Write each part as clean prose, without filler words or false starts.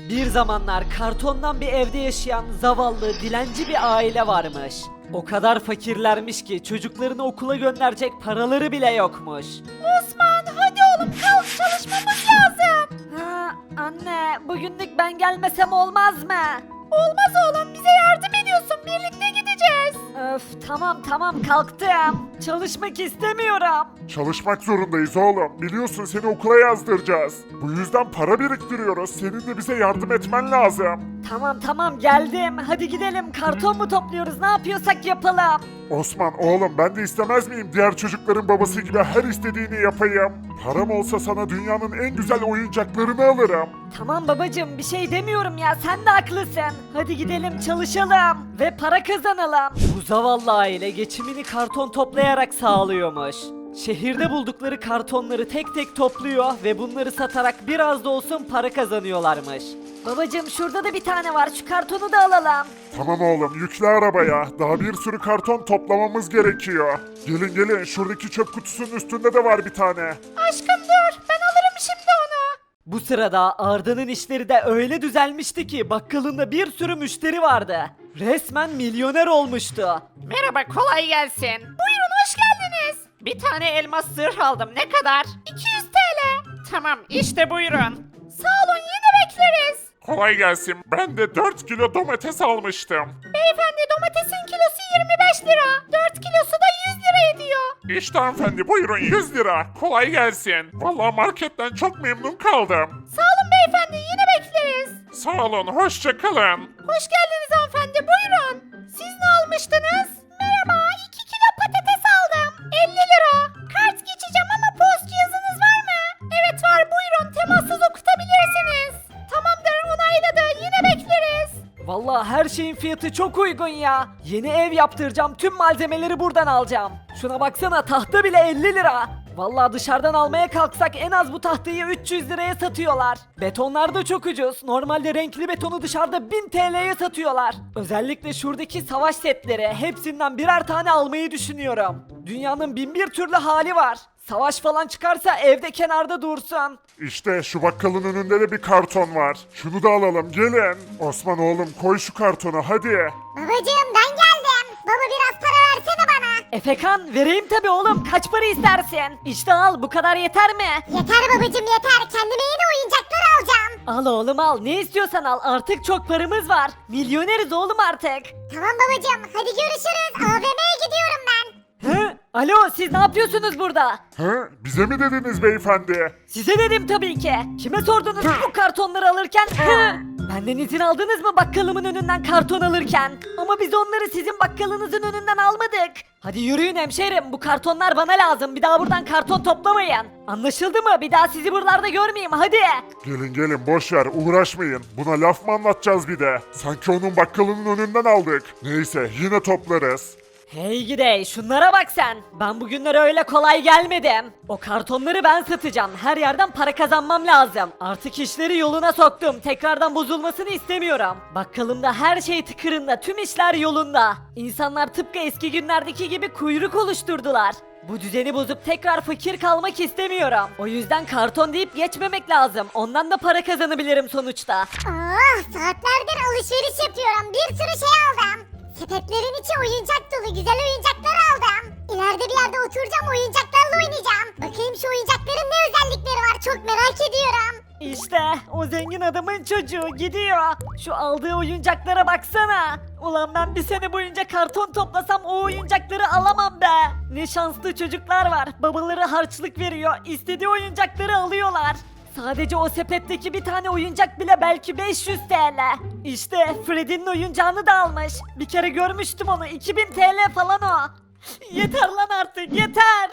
Bir zamanlar kartondan bir evde yaşayan zavallı, dilenci bir aile varmış. O kadar fakirlermiş ki çocuklarını okula gönderecek paraları bile yokmuş. Osman hadi oğlum kalk çalışmamız lazım. Ha, anne, bugünlük ben gelmesem olmaz mı? Olmaz oğlum bize yardım ediyorsun birlikte gideceğiz. Öf, tamam kalktım. Çalışmak istemiyorum. Çalışmak zorundayız oğlum. Biliyorsun seni okula yazdıracağız. Bu yüzden para biriktiriyoruz. Senin de bize yardım etmen lazım. Tamam geldim. Hadi gidelim. Karton mu topluyoruz? Ne yapıyorsak yapalım. Osman oğlum ben de istemez miyim diğer çocukların babası gibi her istediğini yapayım. Param olsa sana dünyanın en güzel oyuncaklarını alırım. Tamam babacığım, bir şey demiyorum ya, sen de haklısın. Hadi gidelim çalışalım ve para kazanalım. Bu zavallı aile geçimini karton toplayarak sağlıyormuş. Şehirde buldukları kartonları tek tek topluyor ve bunları satarak biraz da olsun para kazanıyorlarmış. Babacığım şurada da bir tane var, şu kartonu da alalım. Tamam oğlum yükle arabaya. Daha bir sürü karton toplamamız gerekiyor. Gelin şuradaki çöp kutusunun üstünde de var bir tane. Aşkım dur ben alırım şimdi onu. Bu sırada Arda'nın işleri de öyle düzelmişti ki bakkalında bir sürü müşteri vardı. Resmen milyoner olmuştu. Merhaba kolay gelsin. Buyurun hoş geldiniz. Bir tane elmas zırh aldım ne kadar? 200 TL. Tamam işte buyurun. Sağ olun yine bekleriz. Kolay gelsin. Ben de 4 kilo domates almıştım. Beyefendi domatesin kilosu 25 lira. 4 kilosu da 100 lira ediyor. İşte hanımefendi buyurun 100 lira. Kolay gelsin. Vallahi marketten çok memnun kaldım. Sağ olun beyefendi yine bekleriz. Sağ olun hoşça kalın. Hoş geldiniz hanımefendi buyurun. Siz ne almıştınız? Merhaba 2 kilo patates aldım. 50 lira. Kart geçeceğim ama post cihazınız var mı? Evet var buyurun temassız okutabilirsiniz. Tamamdır onayladı yine bekleriz. Vallahi her şeyin fiyatı çok uygun ya. Yeni ev yaptıracağım, tüm malzemeleri buradan alacağım. Şuna baksana, tahta bile 50 lira. Vallahi dışarıdan almaya kalksak en az bu tahtayı 300 liraya satıyorlar. Betonlar da çok ucuz. Normalde renkli betonu dışarıda 1000 TL'ye satıyorlar. Özellikle şuradaki savaş setleri, hepsinden birer tane almayı düşünüyorum. Dünyanın bin bir türlü hali var. Savaş falan çıkarsa evde kenarda dursun. İşte şu bakkalın önünde de bir karton var. Şunu da alalım gelin. Osman oğlum koy şu kartonu hadi. Babacığım ben geldim. Baba biraz para versene bana. Efekan, vereyim tabi oğlum, kaç para istersin? İşte al, bu kadar yeter mi? Yeter babacığım yeter. Kendime yeni oyuncaklar alacağım. Al oğlum al, ne istiyorsan al, artık çok paramız var. Milyoneriz oğlum artık. Tamam babacığım hadi görüşürüz. AVM'ye gidiyorum ben. Hı? Alo, siz ne yapıyorsunuz burada? Hı? Bize mi dediniz beyefendi? Size dedim tabii ki. Kime sordunuz bu kartonları alırken? Hı? Benden izin aldınız mı bakkalımın önünden karton alırken? Ama biz onları sizin bakkalınızın önünden almadık. Hadi yürüyün hemşerim, bu kartonlar bana lazım. Bir daha buradan karton toplamayın. Anlaşıldı mı? Bir daha sizi buralarda görmeyeyim, hadi. Gelin boş ver uğraşmayın. Buna laf mı anlatacağız bir de? Sanki onun bakkalının önünden aldık. Neyse yine toplarız. Hey gidey, şunlara bak sen. Ben bugünlere öyle kolay gelmedim. O kartonları ben satacağım. Her yerden para kazanmam lazım. Artık işleri yoluna soktum. Tekrardan bozulmasını istemiyorum. Bakkalımda her şey tıkırında, tüm işler yolunda. İnsanlar tıpkı eski günlerdeki gibi kuyruk oluşturdular. Bu düzeni bozup tekrar fakir kalmak istemiyorum. O yüzden karton deyip geçmemek lazım. Ondan da para kazanabilirim sonuçta. Oh saatlerdir alışveriş yapıyorum. Bir sürü şey aldım. Sepetlerin içi oyuncak dolu güzel oyuncaklar aldım. İleride bir yerde oturacağım oyuncaklarla oynayacağım. Bakayım şu oyuncakların ne özellikleri var çok merak ediyorum. İşte o zengin adamın çocuğu gidiyor. Şu aldığı oyuncaklara baksana. Ulan ben bir sene boyunca karton toplasam o oyuncakları alamam be. Ne şanslı çocuklar var. Babaları harçlık veriyor. İstediği oyuncakları alıyorlar. Sadece o sepetteki bir tane oyuncak bile belki 500 TL. İşte Freddy'nin oyuncağını da almış. Bir kere görmüştüm onu. 2000 TL falan o. Yeter lan artık yeter.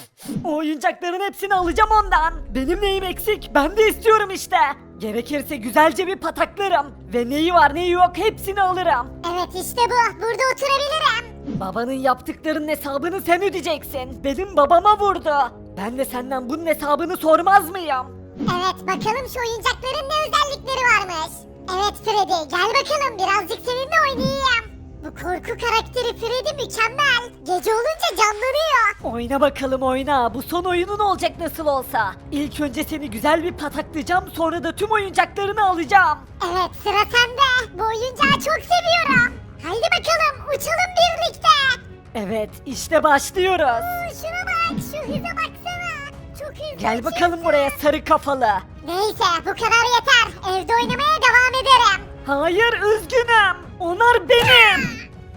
O oyuncakların hepsini alacağım ondan. Benim neyim eksik? Ben de istiyorum işte. Gerekirse güzelce bir pataklarım. Ve neyi var neyi yok hepsini alırım. Evet işte bu. Burada oturabilirim. Babanın yaptıklarının hesabını sen ödeyeceksin. Benim babama vurdu. Ben de senden bunun hesabını sormaz mıyım? Evet bakalım şu oyuncakların ne özellikleri varmış. Evet Freddy gel bakalım birazcık seninle oynayayım. Bu korku karakteri Freddy mükemmel. Gece olunca canlanıyor. Oyna bakalım oyna. Bu son oyunun olacak nasıl olsa. İlk önce seni güzel bir pataklayacağım, sonra da tüm oyuncaklarını alacağım. Evet sıra sende. Bu oyuncağı çok seviyorum. Haydi bakalım uçalım birlikte. Evet, işte başlıyoruz. Şuna bak, şu hıza baksana. Çok hızlı. Gel bakalım buraya sarı kafalı. Neyse bu kadar yeter. Evde oynamaya devam ederim. Hayır, üzgünüm. Onlar benim.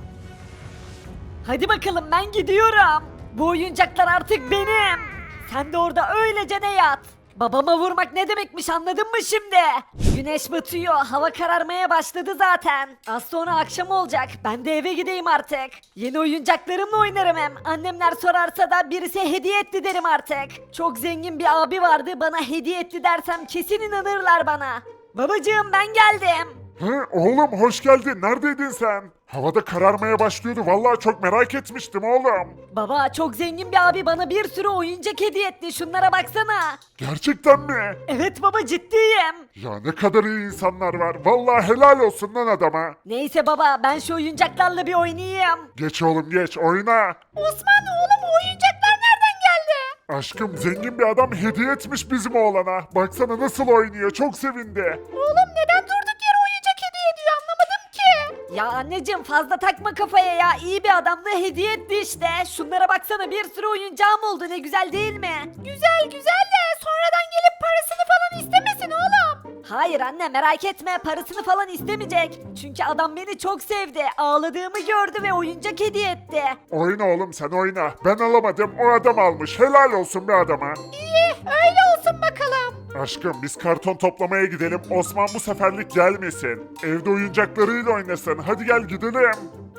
Hadi bakalım, ben gidiyorum. Bu oyuncaklar artık benim. Sen de orada öylece de yat. Babama vurmak ne demekmiş, anladın mı şimdi? Güneş batıyor, hava kararmaya başladı zaten. Az sonra akşam olacak, ben de eve gideyim artık. Yeni oyuncaklarımla oynarım hem. Annemler sorarsa da birisi hediye etti derim artık. Çok zengin bir abi vardı, bana hediye etti dersem kesin inanırlar bana. Babacığım, ben geldim. Hı, oğlum hoş geldin. Neredeydin sen? Havada kararmaya başlıyordu. Vallahi çok merak etmiştim oğlum. Baba, çok zengin bir abi bana bir sürü oyuncak hediye etti, şunlara baksana. Gerçekten mi? Evet baba, ciddiyim. Ya ne kadar iyi insanlar var. Vallahi helal olsun lan adama. Neyse baba, ben şu oyuncaklarla bir oynayayım. Geç oğlum geç oyna. Osman oğlum o oyuncaklar nereden geldi? Aşkım zengin bir adam hediye etmiş bizim oğlana. Baksana nasıl oynuyor. Çok sevindi. Oğlum neden durduk yere oyuncak hediye ediyor anlamadım ki. Ya anneciğim, fazla takma kafaya ya, iyi bir adamla hediye etti işte. Şunlara baksana, bir sürü oyuncağım oldu, ne güzel değil mi? Güzel güzel de sonradan gelip parasını falan istemesin oğlum. Hayır anne, merak etme, parasını falan istemeyecek. Çünkü adam beni çok sevdi, ağladığımı gördü ve oyuncak hediye etti. Oyna oğlum sen oyna. Ben alamadım o adam almış. Helal olsun be adama. İyi öyle olsun bakalım. Aşkım biz karton toplamaya gidelim. Osman bu seferlik gelmesin. Evde oyuncaklarıyla oynasın. Hadi gel gidelim.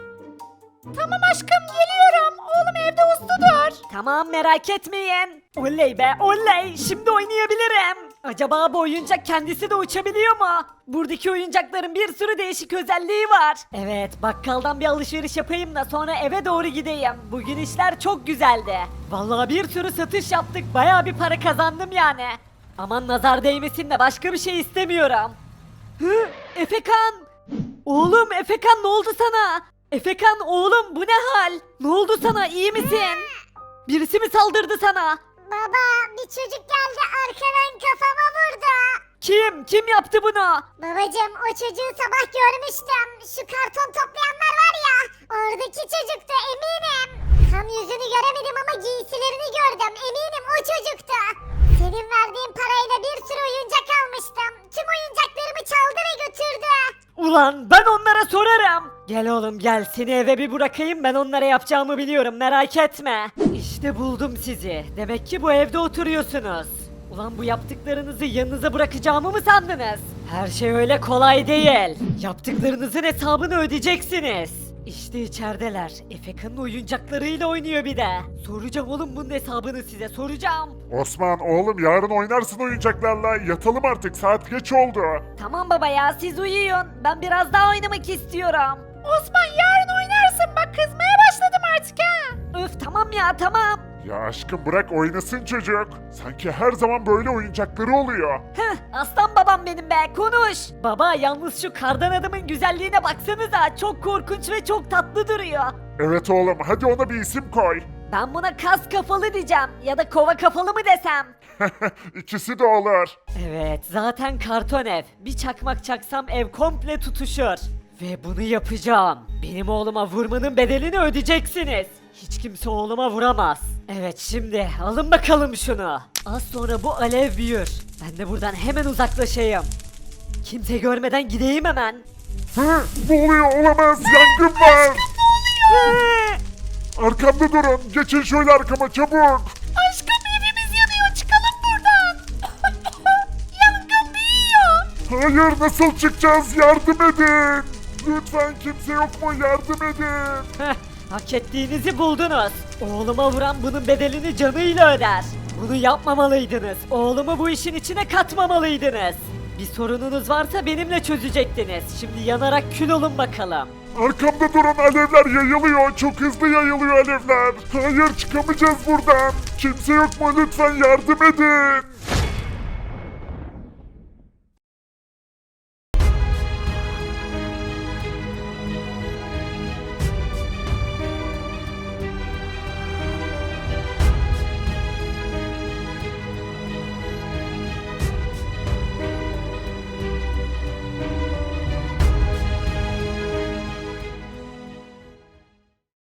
Tamam aşkım geliyorum. Oğlum evde usludur. Tamam, merak etmeyin. Oley be oley, şimdi oynayabilirim. Acaba bu oyuncak kendisi de uçabiliyor mu? Buradaki oyuncakların bir sürü değişik özelliği var. Evet, bakkaldan bir alışveriş yapayım da sonra eve doğru gideyim. Bugün işler çok güzeldi. Vallahi bir sürü satış yaptık, bayağı bir para kazandım yani. Aman nazar değmesin de başka bir şey istemiyorum. Hı, Efekan! Oğlum Efekan, ne oldu sana? Efekan oğlum, bu ne hal? Ne oldu sana, iyi misin? Birisi mi saldırdı sana? Baba bir çocuk geldi arkadan kafama vurdu. Kim yaptı bunu? Babacım o çocuğu sabah görmüştüm. Şu karton toplayanlar var ya. Oradaki çocuktu eminim. Tam yüzünü göremedim ama giysilerini gördüm. Eminim o çocuktu. Senin verdiğin parayla bir sürü oyuncak almıştım. Tüm oyuncaklarımı çaldı ve götürdü. Ulan ben onlara sorarım. Gel oğlum gel, seni eve bir bırakayım, ben onlara yapacağımı biliyorum, merak etme. İşte buldum sizi. Demek ki bu evde oturuyorsunuz. Ulan bu yaptıklarınızı yanınıza bırakacağımı mı sandınız? Her şey öyle kolay değil. Yaptıklarınızın hesabını ödeyeceksiniz. İşte içerideler. Efekan'ın oyuncaklarıyla oynuyor bir de. Soracağım oğlum bunun hesabını size, soracağım. Osman oğlum yarın oynarsın oyuncaklarla. Yatalım artık saat geç oldu. Tamam baba ya, siz uyuyun. Ben biraz daha oynamak istiyorum. Osman yarın oynarsın bak kızmaya başladım artık ha. Öf tamam ya, tamam. Ya aşkım bırak oynasın çocuk. Sanki her zaman böyle oyuncakları oluyor. Heh, aslan babam benim be, konuş. Baba yalnız şu kardan adamın güzelliğine baksanıza, çok korkunç ve çok tatlı duruyor. Evet oğlum hadi ona bir isim koy. Ben buna kas kafalı diyeceğim ya da kova kafalı mı desem? İkisi de olur. Evet, zaten karton ev. Bir çakmak çaksam ev komple tutuşur. Ve bunu yapacağım. Benim oğluma vurmanın bedelini ödeyeceksiniz. Hiç kimse oğluma vuramaz. Evet, şimdi alın bakalım şunu. Az sonra bu alev büyür. Ben de buradan hemen uzaklaşayım. Kimse görmeden gideyim hemen. Hı, ne oluyor olamaz yangın var. Hı! Arkamda durun geçin şöyle arkama çabuk. Aşkım evimiz yanıyor çıkalım buradan. Yangın büyüyor. Hayır nasıl çıkacağız yardım edin. Lütfen kimse yok mu yardım edin. Heh, hak ettiğinizi buldunuz. Oğluma vuran bunun bedelini canıyla öder. Bunu yapmamalıydınız. Oğlumu bu işin içine katmamalıydınız. Bir sorununuz varsa benimle çözecektiniz. Şimdi yanarak kül olun bakalım. Arkamda durun alevler yayılıyor. Çok hızlı yayılıyor alevler. Hayır çıkamayacağız buradan. Kimse yok mu lütfen yardım edin.